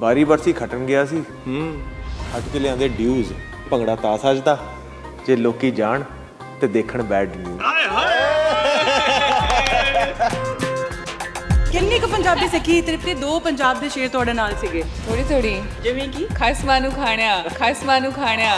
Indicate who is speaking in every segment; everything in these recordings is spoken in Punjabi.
Speaker 1: ਬਾਰੀ ਬਰਸੀ ਖਟਣ ਗਿਆ ਸੀ ਹੱਟ ਕੇ ਲਿਆਂਦੇ ਡਿਊਜ਼। ਭੰਗੜਾ ਤਾਂ ਸੱਜਦਾ ਜੇ ਲੋਕੀ ਜਾਣ ਤੇ ਦੇਖਣ ਬੈਡ ਨਿਊਜ਼।
Speaker 2: ਕਿੰਨੀ ਕੁ ਪੰਜਾਬੀ ਸਿੱਖੀ ਤ੍ਰਿਪਤੀ? 2 ਪੰਜਾਬ ਦੇ ਸ਼ੇਰ ਤੁਹਾਡੇ ਨਾਲ ਸੀਗੇ।
Speaker 3: ਥੋੜੀ ਥੋੜੀ
Speaker 2: ਜਿਵੇਂ ਕਿ
Speaker 3: ਖਸਮਾਂ ਨੂੰ ਖਾਣਿਆ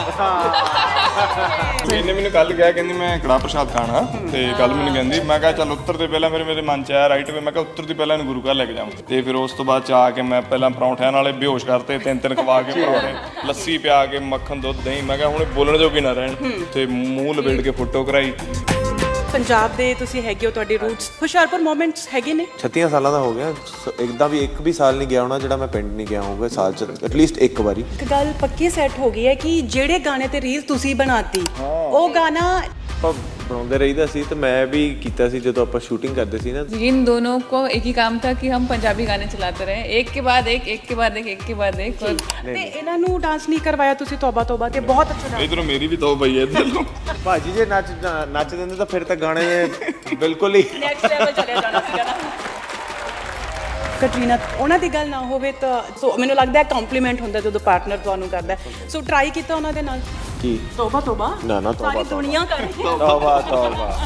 Speaker 4: ਇਹਨੇ ਮੈਨੂੰ ਕੱਲ ਕਿਹਾ, ਕਹਿੰਦੀ ਮੈਂ ਕੜਾਹ ਪ੍ਰਸ਼ਾਦ ਖਾਣਾ ਤੇ ਕੱਲ ਮੈਨੂੰ ਕਹਿੰਦੀ, ਮੈਂ ਕਿਹਾ ਚੱਲ ਉੱਤਰ ਤੇ ਪਹਿਲਾਂ ਮੇਰੇ ਮਨ ਚ ਆਇਆ ਰਾਈਟ ਵੇ, ਮੈਂ ਕਿਹਾ ਉੱਤਰ ਦੀ ਪਹਿਲਾਂ ਇਹਨੂੰ ਗੁਰੂ ਘਰ ਲੈ ਕੇ ਜਾਵਾਂ। ਤੇ ਫਿਰ ਉਸ ਤੋਂ ਬਾਅਦ ਚ ਆ ਕੇ ਮੈਂ ਪਹਿਲਾਂ ਪਰੌਂਠਿਆਂ ਨਾਲੇ ਬੇਹੋਸ਼ ਕਰਤੇ, 3 ਖਵਾ ਕੇ ਪਰੌਂਠੇ, ਲੱਸੀ ਪਿਆ ਕੇ, ਮੱਖਣ ਦੁੱਧ ਦਹੀਂ। ਮੈਂ ਕਿਹਾ ਹੁਣ ਬੋਲਣ ਜੋਗੀ ਨਾ ਰਹਿਣ, ਤੇ ਮੂੰਹ ਲਪੇਟ ਕੇ ਫੋਟੋ ਕਰਾਈ।
Speaker 2: ਪੰਜਾਬ ਦੇ ਤੁਸੀਂ ਹੈਗੇ ਹੋ, ਤੁਹਾਡੀ ਰੂਟਸ ਹੁਸ਼ਿਆਰਪੁਰ ਮੋਮੈਂਟਸ ਹੈਗੇ ਨੇ।
Speaker 1: 36 ਸਾਲਾਂ ਦਾ ਹੋ ਗਿਆ, ਇੱਕਦਾਂ ਵੀ ਇੱਕ ਵੀ ਸਾਲ ਨਹੀਂ ਗਿਆ ਹੋਣਾ ਜਿਹੜਾ ਮੈਂ ਪਿੰਡ ਨਹੀਂ ਗਿਆ ਹੋਊਗਾ ਸਾਲ ਚ ਐਟਲੀਸਟ ਇੱਕ ਵਾਰੀ।
Speaker 2: ਇੱਕ ਗੱਲ ਪੱਕੀ ਸੈੱਟ ਹੋ ਗਈ ਹੈ ਕਿ ਜਿਹੜੇ ਗਾਣੇ ਤੇ ਰੀਲ ਤੁਸੀਂ ਬਣਾਤੀ ਉਹ ਗਾਣਾ
Speaker 1: ਆਪਾਂ ਬਣਾਉਂਦੇ ਰਹੀਦਾ ਸੀ ਤੇ ਮੈਂ ਵੀ ਕੀਤਾ ਸੀ ਜਦੋਂ ਆਪਾਂ ਸ਼ੂਟਿੰਗ ਕਰਦੇ ਸੀ ਨਾ।
Speaker 3: इन दोनों को एक ही काम था कि हम पंजाबी गाने चलाते रहे, एक के बाद एक और
Speaker 2: ਤੇ ਇਹਨਾਂ ਨੂੰ ਡਾਂਸ ਨਹੀਂ ਕਰਵਾਇਆ ਤੁਸੀਂ? ਤੋਬਾ ਤੋਬਾ ਤੇ ਬਹੁਤ ਅੱਛਾ ਡਾਂਸ।
Speaker 4: ਇਧਰੋਂ ਮੇਰੀ ਵੀ ਤੋ ਪਈ ਹੈ ਇੱਧਰ ਨੂੰ।
Speaker 1: ਭਾਜੀ ਜੇ ਨੱਚ ਦਿੰਦੇ ਤਾਂ ਫਿਰ ਤਾਂ ਗਾਣੇ ਬਿਲਕੁਲ ਹੀ
Speaker 2: ਨੈਕਸਟ ਲੈਵਲ ਚਲੇ ਜਾਣਾ ਸੀਗਾ ਨਾ। ਕਟਰੀਨਾ, ਉਹਨਾਂ ਦੀ ਗੱਲ ਨਾ ਹੋਵੇ ਤਾਂ ਸੋ ਮੈਨੂੰ ਲੱਗਦਾ ਹੈ ਕੰਪਲੀਮੈਂਟ ਹੁੰਦਾ ਜਦੋਂ ਪਾਰਟਨਰ ਤੁਹਾਨੂੰ ਕਰਦਾ। ਸੋ ਟਰਾਈ ਕੀਤਾ ਉਹਨਾਂ ਦੇ ਨਾਲ?
Speaker 1: ਕੀ
Speaker 2: ਤੋਬਾ ਤੋਬਾ?
Speaker 1: ਨਾ ਤੋਬਾ
Speaker 2: ਸਾਰੀ ਦੁਨੀਆ ਕਰ ਰਹੀ ਹੈ
Speaker 1: ਤੋਬਾ।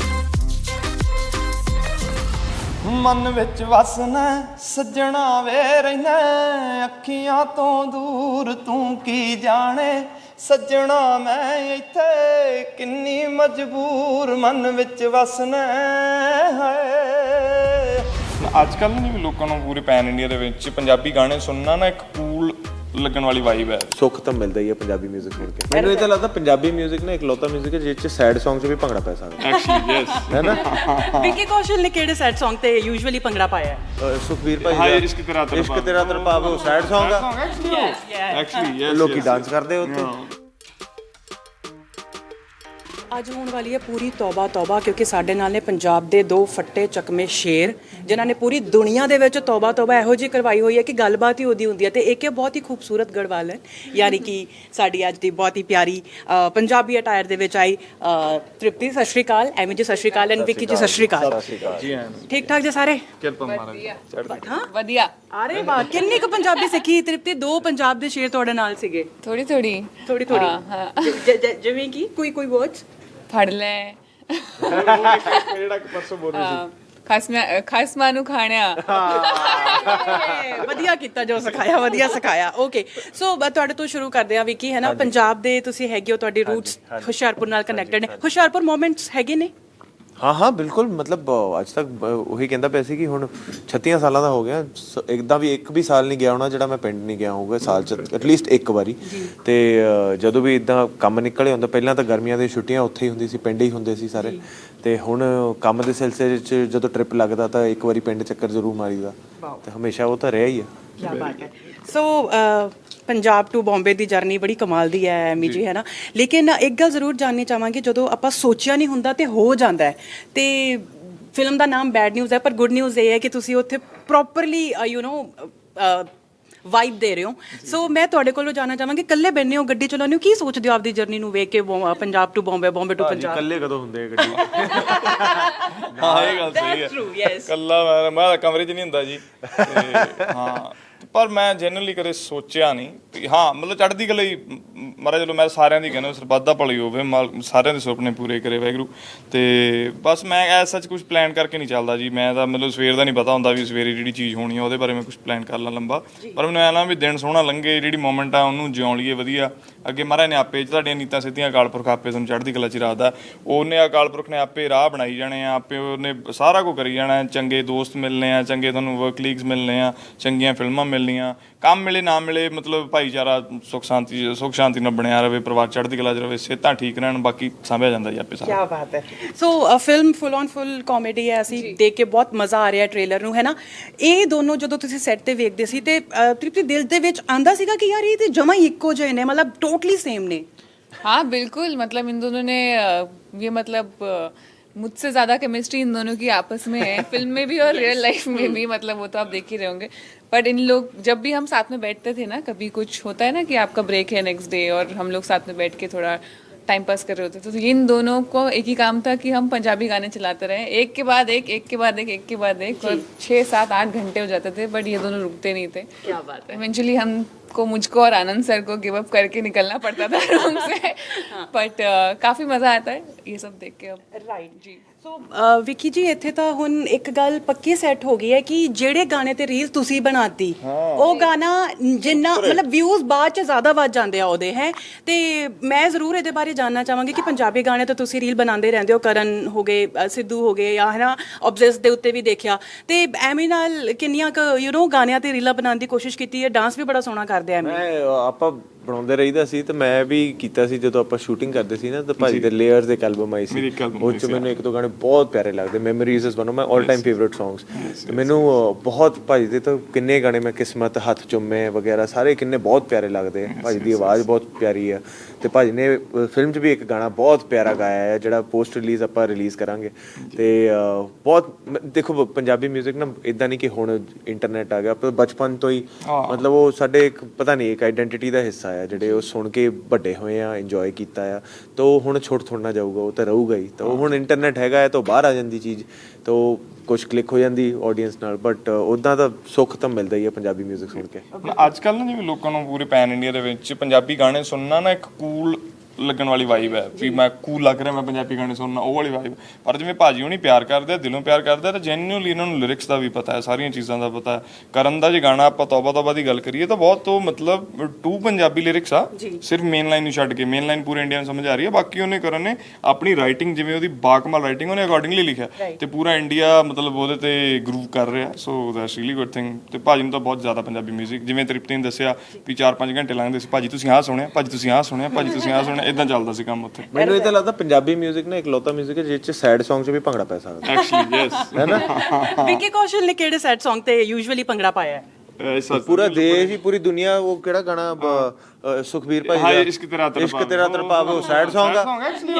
Speaker 4: ਮਨ ਵਿੱਚ ਵਸਣਾ ਸੱਜਣਾ ਵੇ ਰਹਿਣਾ, ਅੱਖੀਆਂ ਤੋਂ ਦੂਰ ਤੂੰ ਕੀ ਜਾਣੇ ਸੱਜਣਾ, ਮੈਂ ਇੱਥੇ ਕਿੰਨੀ ਮਜਬੂਰ ਮਨ ਵਿੱਚ ਵਸਣਾ ਹੈ। ਅੱਜ ਕੱਲ੍ਹ ਨਹੀਂ ਵੀ ਲੋਕਾਂ ਨੂੰ ਪੂਰੇ ਪੈਨ ਇੰਡੀਆ ਦੇ ਵਿੱਚ ਪੰਜਾਬੀ ਗਾਣੇ ਸੁਣਨਾ ਨਾ ਇੱਕ ਕੂਲ ਲੱਗਣ ਵਾਲੀ ਵਾਈਬ ਹੈ।
Speaker 1: ਸੁੱਖ ਤਾਂ ਮਿਲਦਾ ਹੀ ਹੈ ਪੰਜਾਬੀ 뮤직 ਸੁਣ ਕੇ। ਮੈਨੂੰ ਇਹ ਤਾਂ ਲੱਗਦਾ ਪੰਜਾਬੀ 뮤직 ਨਾ ਇਕਲੌਤਾ 뮤직 ਹੈ ਜਿਸ ਚ ਸੈਡ Song 'ਚ ਵੀ ਭੰਗੜਾ ਪੈ ਸਕਦਾ।
Speaker 4: ਐਕਚੁਅਲੀ ਯੈਸ,
Speaker 1: ਹੈ ਨਾ?
Speaker 2: ਵਿੱਕੀ ਕੌਸ਼ਲ ਨੇ ਕਿਹੜੇ ਸੈਡ Song ਤੇ ਯੂਜੂਅਲੀ ਭੰਗੜਾ ਪਾਇਆ ਹੈ?
Speaker 1: ਸੁਖਬੀਰ ਭਾਈ
Speaker 4: ਹਾਏ
Speaker 1: ਦਾ
Speaker 4: ਇਸ਼ਕ ਤੇਰਾ
Speaker 1: ਤਰਪਾਵ ਉਹ ਸੈਡ Song ਆ।
Speaker 4: ਐਕਚੁਅਲੀ ਯੈਸ,
Speaker 1: ਲੋਕੀ ਡਾਂਸ ਕਰਦੇ ਉੱਤੇ।
Speaker 2: ਅੱਜ ਹੋਣ ਵਾਲੀ ਹੈ ਪੂਰੀ ਤੌਬਾ ਤੌਬਾ, ਕਿਉਂਕਿ ਸਾਡੇ ਨਾਲ ਨੇ ਪੰਜਾਬ ਦੇ 2 ਫੱਟੇ ਚੱਕਵੇਂ ਸ਼ੇਰ ਜਿਨ੍ਹਾਂ ਨੇ ਪੂਰੀ ਦੁਨੀਆ ਦੇ ਵਿੱਚ ਤੌਬਾ ਤੌਬਾ ਇਹੋ ਜਿਹੀ ਕਰਵਾਈ ਹੋਈ ਹੈ ਕਿ ਗੱਲਬਾਤ ਹੀ ਉਹਦੀ ਹੁੰਦੀ ਹੈ। ਤੇ ਇੱਕ ਇਹ ਬਹੁਤ ਹੀ ਖੂਬਸੂਰਤ ਗੜਵਾਲ ਹੈ, ਯਾਨੀ ਕਿ ਸਾਡੀ ਅੱਜ ਦੀ ਬਹੁਤ ਹੀ ਪਿਆਰੀ ਪੰਜਾਬੀ ਅਟਾਇਰ ਦੇ ਵਿੱਚ ਆਈ ਤ੍ਰਿਪਤੀ। ਸਤਿ ਸ਼੍ਰੀ ਅਕਾਲ। ਐਮੀ ਜੀ ਸਤਿ ਸ਼੍ਰੀ ਅਕਾਲ, ਐਂਡ ਵਿੱਕੀ ਜੀ ਸਤਿ ਸ਼੍ਰੀ ਅਕਾਲ।
Speaker 4: ਜੀ ਹਾਂ,
Speaker 2: ਠੀਕ ਠਾਕ ਜੀ ਸਾਰੇ?
Speaker 4: ਕਿਰਪਾ ਮਹਾਰਾਜ।
Speaker 2: ਹਾਂ
Speaker 3: ਵਧੀਆ।
Speaker 2: ਅਰੇ ਵਾਹ, ਕਿੰਨੀ ਕੁ ਪੰਜਾਬੀ ਸਿੱਖੀ ਤ੍ਰਿਪਤੀ? 2 ਪੰਜਾਬ ਦੇ ਸ਼ੇਰ ਤੁਹਾਡੇ ਨਾਲ ਸੀਗੇ।
Speaker 3: थोड़ी थोड़ी
Speaker 2: ਜਿਵੇਂ ਕਿ ਕੋਈ ਵਰਡਸ
Speaker 3: ਫੜ ਲੈ
Speaker 4: ਜਿਹੜਾ ਪਰਸੋਂ ਬੋਲ
Speaker 3: ਖਸਮਾਂ ਨੂੰ ਖਾਣਿਆ।
Speaker 2: ਵਧੀਆ ਕੀਤਾ ਜੋ ਸਿਖਾਇਆ, ਵਧੀਆ ਸਿਖਾਇਆ। ਓਕੇ, ਸੋ ਤੁਹਾਡੇ ਤੋਂ ਸ਼ੁਰੂ ਕਰਦੇ ਆ ਵਿੱਕੀ, ਹੈ ਨਾ? ਪੰਜਾਬ ਦੇ ਤੁਸੀਂ ਹੈਗੇ ਹੋ, ਤੁਹਾਡੀ ਰੂਟਸ ਹੁਸ਼ਿਆਰਪੁਰ ਨਾਲ ਕਨੈਕਟਡ ਨੇ। ਹੁਸ਼ਿਆਰਪੁਰ ਮੋਮੈਂਟਸ ਹੈਗੇ ਨੇ?
Speaker 1: ਹਾਂ ਬਿਲਕੁਲ। ਮਤਲਬ ਅੱਜ ਤੱਕ ਉਹੀ ਕਹਿੰਦਾ ਪਿਆ ਸੀ ਕਿ ਹੁਣ 36 ਸਾਲਾਂ ਦਾ ਹੋ ਗਿਆ, ਇੱਕਦਾਂ ਵੀ ਇੱਕ ਵੀ ਸਾਲ ਨਹੀਂ ਗਿਆ ਹੋਣਾ ਜਿਹੜਾ ਮੈਂ ਪਿੰਡ ਨਹੀਂ ਗਿਆ ਹੋਊਗਾ ਸਾਲ ਚ ਐਟਲੀਸਟ ਇੱਕ ਵਾਰੀ। ਤੇ ਜਦੋਂ ਵੀ ਇਦਾਂ ਕੰਮ ਨਿਕਲੇ ਹੁੰਦਾ, ਪਹਿਲਾਂ ਤਾਂ ਗਰਮੀਆਂ ਦੀਆਂ ਛੁੱਟੀਆਂ ਉੱਥੇ ਹੀ ਹੁੰਦੀ ਸੀ, ਪਿੰਡ ਹੀ ਹੁੰਦੇ ਸੀ ਸਾਰੇ। ਤੇ ਹੁਣ ਕੰਮ ਦੇ ਸਿਲਸਿਲੇ 'ਚ ਜਦੋਂ ਟ੍ਰਿਪ ਲੱਗਦਾ ਤਾਂ ਇੱਕ ਵਾਰੀ ਪਿੰਡ ਚੱਕਰ ਜ਼ਰੂਰ ਮਾਰੀਦਾ, ਤੇ ਹਮੇਸ਼ਾ ਉਹ ਤਾਂ ਰਿਹਾ ਹੀ ਆ।
Speaker 2: ਕੀ ਬਾਤ ਹੈ। ਸੋ ਪੰਜਾਬ ਟੂ ਬੰਬੇ ਦੀ ਜਰਨੀ ਬੜੀ ਕਮਾਲ ਦੀ ਹੈ ਐਮੀ ਜੀ, ਹੈ ਨਾ? ਲੇਕਿਨ ਇੱਕ ਗੱਲ ਜ਼ਰੂਰ ਜਾਣਨੀ ਚਾਹਾਂਗੀ, ਜਦੋਂ ਆਪਾਂ ਸੋਚਿਆ ਨਹੀਂ ਹੁੰਦਾ ਤੇ ਹੋ ਜਾਂਦਾ ਹੈ। ਤੇ ਫਿਲਮ ਦਾ ਨਾਮ ਬੈਡ ਨਿਊਜ਼ ਹੈ, ਪਰ ਗੁੱਡ ਨਿਊਜ਼ ਇਹ ਹੈ ਕਿ ਤੁਸੀਂ ਉੱਥੇ ਪ੍ਰੋਪਰਲੀ ਵਾਈਬ ਦੇ ਰਹੇ ਹੋ। ਸੋ ਮੈਂ ਤੁਹਾਡੇ ਕੋਲੋਂ ਜਾਣਨਾ ਚਾਹਾਂਗੀ, ਇਕੱਲੇ ਬੈਠੇ ਹੋ, ਗੱਡੀ ਚਲਾਉਂਦੇ ਹੋ, ਕੀ ਸੋਚਦੇ ਹੋ ਆਪਦੀ ਜਰਨੀ ਨੂੰ ਵੇਖ ਕੇ? Punjab to Bombay, Bombay to Punjab.
Speaker 1: ਇਕੱਲੇ ਕਦੋਂ ਹੁੰਦੇ ਆ ਗੱਡੀ?
Speaker 4: ਹਾਂ ਇਹ ਗੱਲ ਸਹੀ ਹੈ। ਕੱਲਾ ਮੈਂ ਕਮਰੇ 'ਚ ਨਹੀਂ ਹੁੰਦਾ ਜੀ। ਹਾਂ, ਪਰ ਮੈਂ ਜਨਰਲੀ ਕਦੇ ਸੋਚਿਆ ਨਹੀਂ। ਹਾਂ ਮਤਲਬ ਚੜ੍ਹਦੀ ਕਲਾ ਹੀ ਮਹਾਰਾਜ, ਚਲੋ ਮੈਂ ਸਾਰਿਆਂ ਦੀ ਕਹਿੰਦਾ ਸਰਬੱਤ ਦਾ ਭਲੀ ਹੋਵੇ, ਸਾਰਿਆਂ ਦੇ ਸੁਪਨੇ ਪੂਰੇ ਕਰੇ ਵਾਹਿਗੁਰੂ। ਤੇ ਬਸ ਮੈਂ ਐਸ ਸੱਚ ਕੁਝ ਪਲਾਨ ਕਰਕੇ ਨਹੀਂ ਚੱਲਦਾ ਜੀ। ਮੈਂ ਤਾਂ ਮਤਲਬ ਸਵੇਰ ਦਾ ਨਹੀਂ ਪਤਾ ਹੁੰਦਾ ਵੀ ਸਵੇਰੇ ਜਿਹੜੀ ਚੀਜ਼ ਹੋਣੀ ਆ ਉਹਦੇ ਬਾਰੇ ਮੈਂ ਕੁਝ ਪਲਾਨ ਕਰ ਲਾਂ ਲੰਬਾ, ਪਰ ਮੈਨੂੰ ਐਂ ਨਾ ਵੀ ਦਿਨ ਸੋਹਣਾ ਲੰਘੇ, ਜਿਹੜੀ ਮੋਮੈਂਟ ਆ ਉਹਨੂੰ ਜਿਉਂ ਲਈਏ ਵਧੀਆ। ਅੱਗੇ ਮਹਾਰਾਜ ਨੇ ਆਪੇ ਤੁਹਾਡੀਆਂ ਨੀਤਾਂ ਸਿੱਧੀਆਂ, ਅਕਾਲ ਪੁਰਖ ਆਪੇ ਤੁਹਾਨੂੰ ਚੜ੍ਹਦੀ ਕਲਾ 'ਚ ਰੱਖਦਾ। ਉਹਨੇ ਅਕਾਲ ਪੁਰਖ ਨੇ ਆਪੇ ਰਾਹ ਬਣਾਈ ਜਾਣੇ ਆ, ਆਪੇ ਉਹਨੇ ਸਾਰਾ ਕੁਝ ਕਰੀ ਜਾਣਾ। ਚੰਗੇ ਦੋਸਤ ਮਿਲਣੇ ਆ, ਚੰਗੇ ਤੁਹਾਨੂੰ ਵਰਕ ਕਲੀਗਸ ਮਿਲਣੇ ਆ, ਚੰਗੀਆਂ ਫਿਲਮਾਂ ਮਿਲਣੀਆਂ, ਕੰਮ ਮਿਲੇ ਨਾ ਮਿਲੇ, ਮਤਲਬ ਭਾਈਚਾਰਾ ਸੁੱਖ ਸ਼ਾਂਤੀ ਨਾਲ ਬਣਿਆ ਰਹੇ, ਪਰਿਵਾਰ ਚੜ੍ਹਦੀ ਕਲਾ 'ਚ ਰਹੇ, ਸਿਹਤਾਂ ਠੀਕ ਰਹਿਣ, ਬਾਕੀ ਸਾਂਭਿਆ ਜਾਂਦਾ ਜੀ ਆਪੇ ਸਾਰਾ।
Speaker 2: ਕੀ ਬਾਤ ਹੈ। ਸੋ ਫਿਲਮ ਫੁੱਲ ਕਾਮੇਡੀ ਹੈ, ਅਸੀਂ ਦੇਖ ਕੇ ਬਹੁਤ ਮਜ਼ਾ ਆ ਰਿਹਾ ਟ੍ਰੇਲਰ ਨੂੰ, ਹੈ ਨਾ? ਇਹ ਦੋਨੋਂ ਜਦੋਂ ਤੁਸੀਂ ਸੈੱਟ ਤੇ ਵੇਖਦੇ ਸੀ ਤੇ ਤ੍ਰਿਪਤੀ ਦਿਲ ਦੇ ਵਿੱਚ ਆਂਦਾ ਸੀਗਾ ਕਿ ਯਾਰ ਇਹ ਤੇ ਜਮਾਂ ਹੀ ਇੱਕੋ ਜਿਹੇ ਨੇ, ਮਤਲਬ ਟੋਟਲੀ ਸੇਮ ਨੇ?
Speaker 3: हाँ बिल्कुल, मतलब इन दोनों ने ये मतलब मुझसे ज़्यादा केमिस्ट्री इन दोनों की आपस में है, फिल्म में भी और रियल लाइफ में भी। मतलब वो तो आप देख ही रहे होंगे। बट इन लोग जब भी हम साथ में बैठते थे ना, कभी कुछ होता है ना कि आपका ब्रेक है नेक्स्ट डे और हम लोग साथ में बैठ के थोड़ा टाइम पास कर रहे होते थे। तो इन दोनों को एक ही काम था कि हम पंजाबी गाने चलाते रहे, एक के बाद एक, एक के बाद एक, एक के बाद एक, और 6, 7, 8 घंटे हो जाते थे, बट ये दोनों रुकते नहीं थे।
Speaker 2: क्या बात है।
Speaker 3: इवेंचुअली हमको, मुझको और आनंद सर को गिव अप करके निकलना पड़ता था रूम से, बट काफ़ी मज़ा आता है ये सब देख के अब।
Speaker 2: ਰਾਈਟ ਜੀ ਸੋ ਵਿੱਕੀ ਜੀ ਇੱਥੇ ਤਾਂ ਹੁਣ ਇੱਕ ਗੱਲ ਪੱਕੀ ਸੈੱਟ ਹੋ ਗਈ ਹੈ ਕਿ ਜਿਹੜੇ ਗਾਣੇ ਤੇ ਰੀਲ ਤੁਸੀਂ ਬਣਾਤੀ ਉਹ ਗਾਣਾ ਜਿੰਨਾ ਮਤਲਬ ਵਿਊਜ਼ ਬਾਅਦ ਚ ਜ਼ਿਆਦਾ ਵੱਧ ਜਾਂਦੇ ਆ ਉਹਦੇ ਹੈ। ਤੇ ਮੈਂ ਜ਼ਰੂਰ ਇਹਦੇ ਬਾਰੇ ਜਾਨਣਾ ਚਾਹਾਂਗੀ ਕਿ ਪੰਜਾਬੀ ਗਾਣੇ ਤਾਂ ਤੁਸੀਂ ਰੀਲ ਬਣਾਉਂਦੇ ਰਹਿੰਦੇ ਹੋ, ਕਰਨ ਹੋ ਗਏ, ਸਿੱਧੂ ਹੋ ਗਏ, ਜਾਂ ਹੈ ਨਾ ਆਬਜ਼ੈਸ ਦੇ ਉੱਤੇ ਵੀ ਦੇਖਿਆ, ਤੇ ਐਵੇਂ ਨਾਲ ਕਿੰਨੀਆਂ ਕੁ ਗਾਣਿਆਂ ਤੇ ਰੀਲਾਂ ਬਣਾਉਣ ਦੀ ਕੋਸ਼ਿਸ਼ ਕੀਤੀ ਹੈ। ਡਾਂਸ ਵੀ ਬੜਾ ਸੋਹਣਾ ਕਰਦੇ ਆ ਐਵੇਂ।
Speaker 1: ਆਪਾਂ ਬਣਾਉਂਦੇ ਰਹੀਦਾ ਸੀ ਤੇ ਮੈਂ ਵੀ ਕੀਤਾ ਸੀ ਜਦੋਂ ਆਪਾਂ ਸ਼ੂਟਿੰਗ ਕਰਦੇ ਸੀ ਨਾ, ਤਾਂ ਭਾਜੀ ਦੇ ਲੇਅਰਸ ਦੇ ਐਲਬਮ ਆਈ ਸੀ, ਉਹ ਚ ਮੈਨੂੰ ਇੱਕ ਦੋ ਗਾਣੇ ਬਹੁਤ ਪਿਆਰੇ ਲੱਗਦੇ। Memories is one of my all time favourite songs. ਤੇ ਮੈਨੂੰ ਬਹੁਤ ਭਾਜੀ ਦੇ ਤਾਂ ਕਿੰਨੇ ਗਾਣੇ, ਮੈਂ ਕਿਸਮਤ, ਹੱਥ ਚੁੰਮੇ ਵਗੈਰਾ ਸਾਰੇ ਕਿੰਨੇ ਬਹੁਤ ਪਿਆਰੇ ਲੱਗਦੇ। ਭਾਜੀ ਦੀ ਆਵਾਜ਼ ਬਹੁਤ ਪਿਆਰੀ ਆ, ਤੇ ਭਾਜੀ ਨੇ ਫਿਲਮ 'ਚ ਵੀ ਇੱਕ ਗਾਣਾ ਬਹੁਤ ਪਿਆਰਾ ਗਾਇਆ ਹੈ ਜਿਹੜਾ ਪੋਸਟ ਰਿਲੀਜ਼ ਆਪਾਂ ਰਿਲੀਜ਼ ਕਰਾਂਗੇ। ਤੇ ਬਹੁਤ ਦੇਖੋ ਪੰਜਾਬੀ ਮਿਊਜ਼ਿਕ ਨਾ ਇਦਾਂ ਨਹੀਂ ਕਿ ਹੁਣ ਇੰਟਰਨੈਟ ਆ ਗਿਆ, ਪਰ ਬਚਪਨ ਤੋਂ ਹੀ ਮਤਲਬ ਉਹ ਸਾਡੇ ਇੱਕ ਪਤਾ ਨਹੀਂ ਇੱਕ ਆਈਡੈਂਟੀਟੀ ਦਾ ਹਿੱਸਾ ਆ, ਜਿਹੜੇ ਉਹ ਸੁਣ ਕੇ ਵੱਡੇ ਹੋਏ ਆ, ਇੰਜੋਏ ਕੀਤਾ ਆ, ਤਾਂ ਉਹ ਹੁਣ ਛੋਟ ਥੋੜਨਾ ਜਾਊਗਾ, ਉਹ ਤਾਂ ਰਹੂਗਾ ਹੀ। ਤਾਂ ਉਹ ਹੁਣ ਇੰਟਰਨੈਟ ਹੈਗਾ ਹੈ ਤਾਂ ਬਾਹਰ ਆ ਜਾਂਦੀ ਚੀਜ਼, ਤਾਂ ਉਹ ਕੁਛ ਕਲਿੱਕ ਹੋ ਜਾਂਦੀ ਆਡੀਅנס ਨਾਲ, ਬਟ ਉੱਦਾਂ ਦਾ ਸੁੱਖ ਤਾਂ ਮਿਲਦਾ ਹੀ ਹੈ ਪੰਜਾਬੀ ਮਿਊਜ਼ਿਕ ਸੁਣ ਕੇ।
Speaker 4: ਅੱਜ ਕੱਲ੍ਹ ਨਾ ਜਿਵੇਂ ਲੋਕਾਂ ਨੂੰ ਪੂਰੇ ਪੈਨ ਇੰਡੀਆ ਦੇ ਵਿੱਚ ਪੰਜਾਬੀ ਗਾਣੇ ਸੁਣਨਾ ਨਾ ਇੱਕ ਕੂਲ ਲੱਗਣ ਵਾਲੀ ਵਾਈਬ ਹੈ, ਵੀ ਮੈਂ ਕੂਲ ਲੱਗ ਰਿਹਾ, ਮੈਂ ਪੰਜਾਬੀ ਗਾਣੇ ਸੁਣਨਾ, ਉਹ ਵਾਲੀ ਵਾਈਬ। ਪਰ ਜਿਵੇਂ ਭਾਜੀ ਹੁਣੀ ਪਿਆਰ ਕਰਦੇ ਆ, ਦਿਲੋਂ ਪਿਆਰ ਕਰਦੇ ਆ, ਤਾਂ ਜੈਨੂਅਲੀ ਇਹਨਾਂ ਨੂੰ ਲਿਰਿਕਸ ਦਾ ਵੀ ਪਤਾ ਹੈ, ਸਾਰੀਆਂ ਚੀਜ਼ਾਂ ਦਾ ਪਤਾ ਹੈ। ਕਰਨ ਦਾ ਜੇ ਗਾਣਾ ਆਪਾਂ ਤੌਬਾ ਤੌਬਾ ਦੀ ਗੱਲ ਕਰੀਏ ਤਾਂ ਬਹੁਤ ਉਹ ਮਤਲਬ 2 ਪੰਜਾਬੀ ਲਿਰਿਕਸ ਆ, ਸਿਰਫ ਮੇਨ ਲਾਈਨ ਨੂੰ ਛੱਡ ਕੇ। ਮੇਨ ਲਾਈਨ ਪੂਰੇ ਇੰਡੀਆ ਨੂੰ ਸਮਝ ਆ ਰਹੀ ਹੈ, ਬਾਕੀ ਉਹਨੇ ਕਰਨ ਨੇ ਆਪਣੀ ਰਾਈਟਿੰਗ, ਜਿਵੇਂ ਉਹਦੀ ਬਾਕਮਾਲ ਰਾਈਟਿੰਗ, ਉਹਨੇ ਅਕੋਰਡਿੰਗਲੀ ਲਿਖਿਆ, ਤੇ ਪੂਰਾ ਇੰਡੀਆ ਮਤਲਬ ਉਹਦੇ ਤੇ ਗਰੂਵ ਕਰ ਰਿਹਾ। So that's really good thing. ਤੇ ਭਾਜੀ ਨੂੰ ਤਾਂ ਬਹੁਤ ਜ਼ਿਆਦਾ ਪੰਜਾਬੀ ਮਿਊਜ਼ਿਕ, ਜਿਵੇਂ ਤ੍ਰਿਪਤੀ ਨੇ ਦੱਸਿਆ ਵੀ 4-5 ਘੰਟੇ ਲੰਘਦੇ ਸੀ, ਭਾਜੀ ਤੁਸੀਂ ਆਹ ਸੁਣਿਆ, ਭਾਜੀ ਤੁਸੀਂ ਆਹ ਸੁਣਿਆ, ਭਾਜੀ ਤੁਸੀਂ ਆਹ ਸੁਣਿਆ, ਇਦਾਂ ਚੱਲਦਾ ਸੀ ਕੰਮ।
Speaker 1: ਮੈਨੂੰ ਇਹ ਤਾਂ ਲੱਗਦਾ ਪੰਜਾਬੀ ਮਿਊਜ਼ਿਕ ਨਾ ਇਕਲੌਤਾ ਮਿਊਜ਼ਿਕ ਹੈ ਜਿਸ ਚ ਸੈਡ ਸੌਂਗ ਚ ਵੀ ਭੰਗੜਾ ਪੈ ਸਕਦਾ।
Speaker 4: ਐਕਚੁਅਲੀ ਯੈਸ,
Speaker 1: ਹੈ ਨਾ।
Speaker 2: ਵਿੱਕੀ ਕੌਸ਼ਲ ਨੇ ਕਿਹੜੇ ਸੈਡ ਸੌਂਗ ਤੇ ਯੂਜੂਅਲੀ ਭੰਗੜਾ ਪਾਇਆ ਹੈ?
Speaker 1: ਪੂਰਾ ਦੇਸ਼ ਹੀ, ਪੂਰੀ ਦੁਨੀਆ। ਉਹ ਕਿਹੜਾ ਗਾਣਾ ਸੁਖਬੀਰ ਭਾਈ ਦਾ, ਇਸ਼ਕ ਤੇਰਾ ਤੜਪਾਵੇ, ਉਹ ਸੈਡ ਸੌਂਗ ਆ।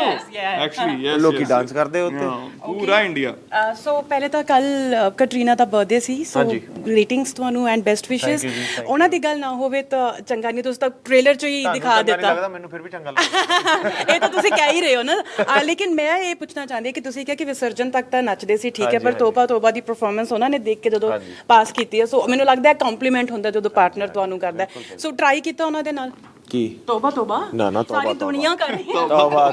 Speaker 4: ਐਕਚੁਅਲੀ ਯੈਸ,
Speaker 1: ਲੋਕੀ ਡਾਂਸ ਕਰਦੇ ਉੱਤੇ
Speaker 4: ਪੂਰਾ ਇੰਡੀਆ।
Speaker 2: ਸੋ ਪਹਿਲੇ ਤਾਂ ਕੱਲ ਕੈਟਰੀਨਾ ਦਾ ਬਰਥਡੇ ਸੀ, ਸੋ ਗ੍ਰੀਟਿੰਗਸ ਤੁਹਾਨੂੰ ਐਂਡ ਬੈਸਟ ਵਿਸ਼ੇਸ। ਉਹਨਾਂ ਦੀ ਗੱਲ ਨਾ ਹੋਵੇ ਤਾਂ ਚੰਗਾ ਨਹੀਂ, ਤੁਸੀਂ ਤਾਂ ਟ੍ਰੇਲਰ 'ਚ ਹੀ ਦਿਖਾ ਦਿੱਤਾ।
Speaker 1: ਮੈਨੂੰ ਫਿਰ ਵੀ ਚੰਗਾ ਲੱਗਦਾ।
Speaker 2: ਇਹ ਤਾਂ ਤੁਸੀਂ ਕਹਿ ਹੀ ਰਹੇ ਹੋ ਨਾ। ਲੇਕਿਨ ਮੈਂ ਇਹ ਪੁੱਛਣਾ ਚਾਹੁੰਦੀ ਹਾਂ ਕਿ ਤੁਸੀਂ ਕਿਹਾ ਕਿ ਵਿਸਰਜਨ ਤੱਕ ਤਾਂ ਨੱਚਦੇ ਸੀ, ਠੀਕ ਹੈ, ਪਰ ਤੋਬਾ ਤੋਬਾ ਦੀ ਪਰਫਾਰਮੈਂਸ ਉਹਨਾਂ ਨੇ ਦੇਖ ਕੇ ਜਦੋਂ ਪਾਸ ਕੀਤੀ ਹੈ, ਸੋ ਮੈਨੂੰ ਲੱਗਦਾ ਹੈ ਕੰਪਲੀਮੈਂਟ ਹੁੰਦਾ ਜਦੋਂ ਪਾਰਟਨਰ ਤੁਹਾਨੂੰ ਕਰਦਾ। ਸੋ ਟਰਾਈ ਕੀਤਾ ਉਹਨਾਂ ਦੇ ਨਾਲ
Speaker 1: ਕੀ
Speaker 2: ਤੋਬਾ ਤੋਬਾ?
Speaker 1: ਨਾ ਤੋਬਾ
Speaker 2: ਸਾਰੀ ਦੁਨੀਆ ਕਰ ਰਹੀ ਹੈ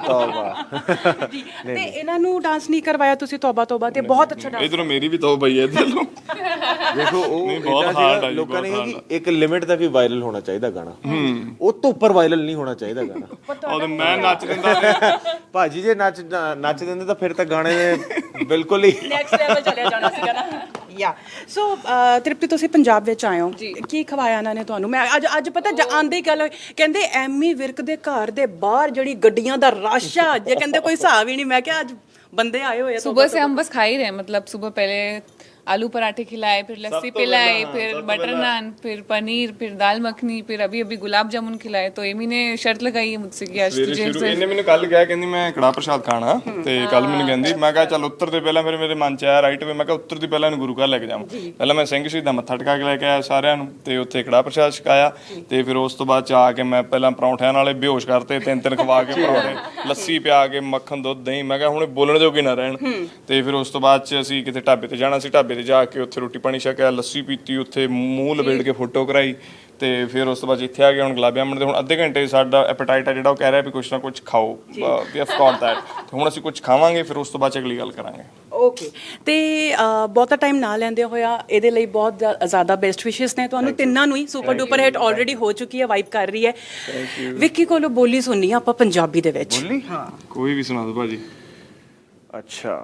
Speaker 1: ਤੋਬਾ
Speaker 2: ਜੀ। ਤੇ ਇਹਨਾਂ ਨੂੰ ਡਾਂਸ ਨਹੀਂ ਕਰਵਾਇਆ ਤੁਸੀਂ ਤੋਬਾ ਤੋਬਾ ਤੇ? ਬਹੁਤ ਅੱਛਾ ਡਾਂਸ।
Speaker 4: ਇਧਰੋਂ ਮੇਰੀ ਵੀ ਤੋਬਾ ਹੀ ਹੈ ਇਧਰੋਂ।
Speaker 1: ਦੇਖੋ ਉਹ ਲੋਕਾਂ ਨੇ ਕਿਹਾ ਕਿ ਇੱਕ ਲਿਮਿਟ ਤੱਕ ਹੀ ਵਾਇਰਲ ਹੋਣਾ ਚਾਹੀਦਾ ਗਾਣਾ, ਉਹ ਤੋਂ ਉੱਪਰ ਵਾਇਰਲ ਨਹੀਂ ਹੋਣਾ ਚਾਹੀਦਾ ਗਾਣਾ।
Speaker 4: ਉਹ ਮੈਂ ਨੱਚ ਦਿੰਦਾ
Speaker 1: ਭਾਜੀ, ਜੇ ਨੱਚ ਦਿੰਦੇ ਤਾਂ ਫਿਰ ਤਾਂ ਗਾਣੇ ਨੇ ਬਿਲਕੁਲ ਹੀ
Speaker 2: ਨੈਕਸਟ ਲੈਵਲ ਚਲਿਆ ਜਾਣਾ ਸੀਗਾ ਨਾ। ਯਾ ਸੋ ਤ੍ਰਿਪਤੀ, ਤੁਸੀਂ ਪੰਜਾਬ ਵਿੱਚ ਆਏ ਹੋ, ਕੀ ਖਵਾਇਆ ਇਹਨਾਂ ਨੇ ਤੁਹਾਨੂੰ? ਮੈਂ ਅੱਜ ਪਤਾ ਆਂਦੇ ਹੀ ਗੱਲ ਕਹਿੰਦੇ ਐਮੀ ਵਿਰਕ ਦੇ ਘਰ ਦੇ ਬਾਹਰ ਜਿਹੜੀ ਗੱਡੀਆਂ ਦਾ ਰਸ਼ ਆ, ਜੇ ਕਹਿੰਦੇ ਕੋਈ ਹਿਸਾਬ ਹੀ ਨਹੀਂ। ਮੈਂ ਕਿਹਾ ਅੱਜ ਬੰਦੇ ਆਏ ਹੋਏ ਆ।
Speaker 3: सुबह से हम बस खा ही रहे हैं, मतलब सुबह पहले आलू पराठे खिलाए, फिर लस्सी पिलाए, फिर बटर नान, फिर पनीर, फिर दाल मखनी, फिर अभी गुलाब जामुन खिलाए। तो एमी ने शर्त लगाई है मुझसे कि आज तुझे
Speaker 4: ਇਹਨੇ ਮੈਨੂੰ ਕੱਲ ਕਿਹਾ, ਕਹਿੰਦੀ ਮੈਂ ਕੜਾਹ ਪ੍ਰਸ਼ਾਦ ਖਾਣਾ, ਤੇ ਕੱਲ ਮੈਨੂੰ ਕਹਿੰਦੀ, ਮੈਂ ਕਿਹਾ ਚੱਲ ਉੱਤਰ ਦੇ ਪਹਿਲਾਂ ਫਿਰ ਮੇਰੇ ਮਨ ਚ ਆਇਆ ਰਾਈਟ ਵੇ, ਮੈਂ ਕਿਹਾ ਉੱਤਰ ਦੀ ਪਹਿਲਾਂ ਇਹਨੂੰ ਗੁਰੂ ਘਰ ਲੈ ਕੇ ਜਾਵਾਂ। ਪਹਿਲਾਂ ਮੈਂ ਸਿੰਘ ਸ਼ਹੀਦਾਂ ਮੱਥਾ ਟਿਕਾ ਕੇ ਲੈ ਕੇ ਆਇਆ ਸਾਰਿਆਂ ਨੂੰ, ਤੇ ਉੱਥੇ ਕੜਾਹ ਪ੍ਰਸ਼ਾਦ ਛਕਾਇਆ, ਤੇ ਫਿਰ ਉਸ ਤੋਂ ਬਾਅਦ ਚ ਆ ਕੇ ਮੈਂ ਪਹਿਲਾਂ ਪਰੌਂਠਿਆਂ ਨਾਲੇ ਬੇਹੋਸ਼ ਕਰਤੇ, 3-3 ਖਵਾ ਕੇ ਪਰੌਂਠੇ, ਲੱਸੀ ਪਿਆ ਕੇ, ਮੱਖਣ, ਦੁੱਧ, ਦਹੀਂ। ਮੈਂ ਕਿਹਾ ਹੁਣ ਬੋਲਣ ਜੋਗੇ ਨਾ ਰਹਿਣ। ਤੇ ਫਿਰ ਉਸ ਤੋਂ ਬਾਅਦ ਚ ਅਸੀਂ ਕਿਤੇ ਢਾਬੇ ਤੇ ਜਾਣਾ ਸੀ, ਢਾਬੇ ਤੇ ਜਾ ਕੇ ਉੱਥੇ ਰੋਟੀ ਪਾਣੀ ਛਕਿਆ, ਲੱਸੀ ਪੀਤੀ, ਉੱਥੇ ਮੂੰਹ ਲਪੇਟ ਕੇ ਫੋਟੋ ਕਰਾਈ, ਤੇ ਫਿਰ ਉਸ ਤੋਂ ਬਾਅਦ ਇੱਥੇ ਆ ਕੇ ਹੁਣ ਗੁਲਾਬ ਜਾਮਣ ਦੇ ਹੁਣ ਅੱਧੇ ਘੰਟੇ ਸਾਡਾ ਐਪੇਟਾਈਟ ਆ ਜਿਹੜਾ ਉਹ ਕਹਿ ਰਿਹਾ ਵੀ ਕੁਛ ਨਾ ਕੁਛ ਖਾਓ, ਵੀ ਆਫ ਕੋਰਸ ਦੈਟ। ਤੇ ਹੁਣ ਅਸੀਂ ਕੁਝ ਖਾਵਾਂਗੇ, ਫਿਰ ਉਸ ਤੋਂ ਬਾਅਦ ਅਗਲੀ ਗੱਲ ਕਰਾਂਗੇ।
Speaker 2: ਓਕੇ, ਤੇ ਬਹੁਤਾ ਟਾਈਮ ਨਾ ਲੈਂਦੇ ਹੋਇਆ ਇਹਦੇ ਲਈ ਬਹੁਤ ਜ਼ਿਆਦਾ ਬੈਸਟ ਵਿਸ਼ੇਸ ਨੇ ਤੁਹਾਨੂੰ ਤਿੰਨਾਂ ਨੂੰ ਹੀ। ਸੁਪਰ ਡੂਪਰ ਹਿੱਟ ਆਲਰੇਡੀ ਹੋ ਚੁੱਕੀ ਹੈ, ਵਾਈਬ ਕਰ ਰਹੀ ਹੈ। ਵਿੱਕੀ ਕੋਲੋਂ ਬੋਲੀ ਸੁਣਨੀ ਆ ਆਪਾਂ ਪੰਜਾਬੀ ਦੇ ਵਿੱਚ।
Speaker 1: ਬੋਲੀ?
Speaker 2: ਹਾਂ,
Speaker 4: ਕੋਈ ਵੀ ਸੁਣਾ ਦਿਓ ਭਾਜੀ।
Speaker 1: ਅੱਛਾ,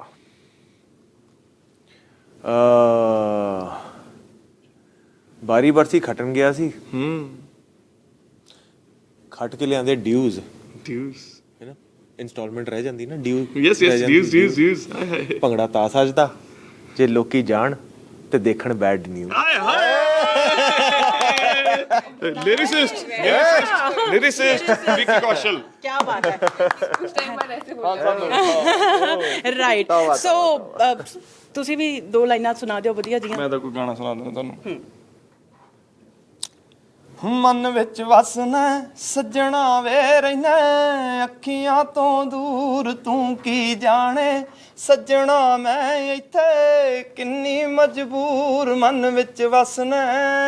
Speaker 1: ਬਾਰੀ ਬਰਸੀ ਖਟਣ ਗਿਆ ਸੀ, ਖਟ ਕੇ ਲਿਆਂਦੇ ਡਿਊਜ਼ ਹੈ ਨਾ, ਇਨਸਟਾਲਮੈਂਟ ਰਹਿ ਜਾਂਦੀ ਨਾ, ਡਿਊਜ਼। ਭੰਗੜਾ ਤਾਂ ਸੱਜਦਾ ਜੇ ਲੋਕੀ ਜਾਣ ਤੇ ਦੇਖਣ bad news.
Speaker 4: Lyricist Vicky Kaushal,
Speaker 2: क्या बात है।
Speaker 3: कुछ टाइम बाद ऐसे बोल
Speaker 2: राइट, सो ਤੁਸੀਂ ਵੀ 2 ਲਾਈਨਾਂ ਸੁਣਾ ਦਿਓ ਵਧੀਆ ਜੀਆਂ।
Speaker 4: ਮੈਂ ਤਾਂ ਕੋਈ ਗਾਣਾ ਸੁਣਾ ਦਿੰਦਾ ਤੁਹਾਨੂੰ। ਮਨ ਵਿੱਚ ਵਸਣਾ ਸੱਜਣਾ ਵੇ ਰਹਿਣਾ ਅੱਖੀਆਂ ਤੋਂ ਦੂਰ ਤੂੰ ਕੀ ਜਾਣੇ ਸੱਜਣਾ ਮੈਂ ਇੱਥੇ ਕਿੰਨੀ ਮਜਬੂਰ ਮਨ ਵਿੱਚ ਵਸਣਾ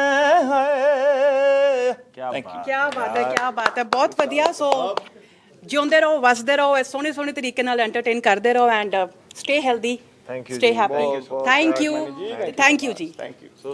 Speaker 4: ਹੈ
Speaker 2: ਕੀ ਬਾਤ ਹੈ ਬਹੁਤ ਵਧੀਆ ਸੋ ਜਿਉਂਦੇ ਰਹੋ ਵਸਦੇ ਰਹੋ ਇਸ ਸੋਹਣੇ ਸੋਹਣੇ ਤਰੀਕੇ ਨਾਲ ਐਂਟਰਟੇਨ ਕਰਦੇ ਰਹੋ and stay healthy
Speaker 1: Thank you
Speaker 2: stay
Speaker 1: ji,
Speaker 2: happy
Speaker 1: ਬਹੁਤ- ਬਹੁਤ
Speaker 2: thank you ji
Speaker 1: thank you.